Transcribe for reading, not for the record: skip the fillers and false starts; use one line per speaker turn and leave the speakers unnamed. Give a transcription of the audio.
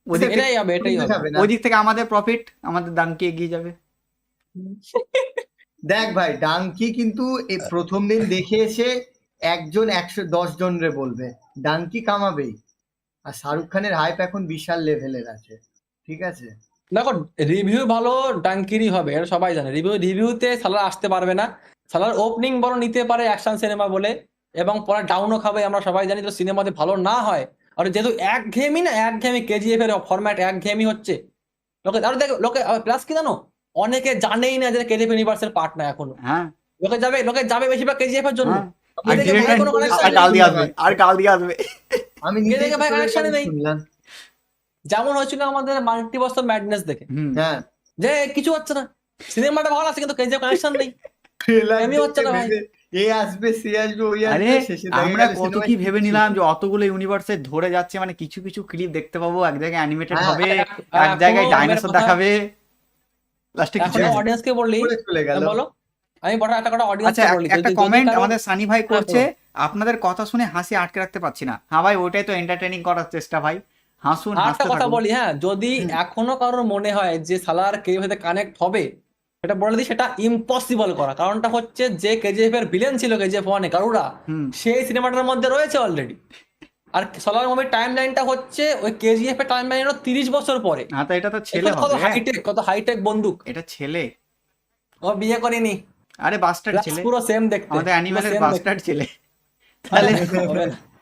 ওদিক থেকে
এটাই হবে, এটাই হবে।
যাবে না।
ওদিক থেকে আমাদের প্রফিট, আমাদের ডাঙ্কি এগিয়ে যাবে।
দেখ ভাই, ডাঙ্কি কিন্তু এই প্রথম দিন দেখে এসে একজন 110 জন রে বলবে, ডাঙ্কি কামাবেই। আর শাহরুখ খানের হাইপ এখন বিশাল লেভেলের আছে, ঠিক আছে।
দেখো রিভিউ ভালো ডাঙ্কিরই হবে, এটা সবাই জানে। রিভিউতে সালার আসতে পারবে না, সালার ওপেনিং বড় নিতে পারে অ্যাকশন সিনেমা বলে, এবং পরে ডাউনও খাবে, আমরা সবাই জানি। তো সিনেমাতে ভালো না হয়, আর যেহেতু একঘেয়েমি না, একঘেয়েমি কেজিএফ এর ফরম্যাট একঘেয়েমি হচ্ছে লোকে। আর দেখ লোকে প্লাস কি জানো, অনেকে জানেই না যে কেজিএফ ইউনিভার্সের পার্ট না এখনো।
হ্যাঁ
লোকে যাবে বেশিরভাগ কেজিএফ এর জন্য।
হ্যাঁ,
কে
আর
দেখে ভাই কোনো কানেকশন
আর গাল দিয়ে আসবে, আর গাল দিয়ে আসবে।
আমি
কে
নিজেই
দেখে ভাই কানেকশনই নেই,
শুনলাম।
যেমন হয়েছিল আমাদের মাল্টিভার্স অফ ম্যাডনেস দেখে,
হ্যাঁ,
যে কিছু হচ্ছে না, সিনেমাটা ভালো আছে কিন্তু কেজিএফ কানেকশন নেই,
ট্রেলার
এমনি হচ্ছে না ভাই।
এ আসবে, সে আসবে, ওই
আরে
আসবে, শেষে দেখা
আমরা
গেল
কত
সিনেমায়
কি ভেবে
কিচ্ছু
নিলাম
নেই।
যে অতগুলো ইউনিভার্সে ধরে যাচ্ছে, মানে কিছু কিছু ক্লিপ দেখতে পাবো, এক জায়গায় অ্যানিমেটেড
হ্যাঁ,
হবে,
আর
এক জায়গায়
এখনো
ডাইনোসর
কথা-
দেখাবে, লাস্টে কিছু
এখন
নেই।
অডিয়েন্সকে বললি,
করে চলে গেল।
বলো, আমি বড় একটা কথা
আচ্ছা,
অডিয়েন্সকে বলি,
একটা
যদি
কমেন্ট
কারো-
আমাদের সানি ভাই করছে,
হ্যাঁ,
আপনাদের কথা শুনে হাসি আটকে রাখতে পারছি না। হ্যাঁ ভাই, ওইটাই তো এন্টারটেইনিং করার চেষ্টা ভাই, হাসুন,
আর একটা
হাসতে
কথা
থাকুন।
বলি, হ্যাঁ, যদি এখনো কারোর মনে হয় যে সালার কেজিএফ সাথে কানেক্ট হবে, এটা বলে দিই, সেটা ইম্পসিবল করা। কারণটা হচ্ছে যে কেজিএফ এর ভিলেন ছিল কেজিএফ 1 এ গারুড়া,
হুম।
সেই সিনেমাটার মধ্যে রয়েছে অলরেডি। আর সালার মুভির টাইম লাইনটা হচ্ছে ওই কেজিএফ এর টাইম লাইন 30 বছর পরে।
হ্যাঁ, তো এটা তো ছেলে
কত
হবে,
হাইটেক, কত হাইটেক বন্দুক।
এটা ছেলে।
ও বিয়ে করেনি,
আরে বাস্টার্ড
Plus
ছেলে,
পুরো সেম দেখতে,
আমাদের
পুরো
অ্যানিমেলের
same দেখতে।
বাস্টার্ড ছেলে। তাহলে
হবে না।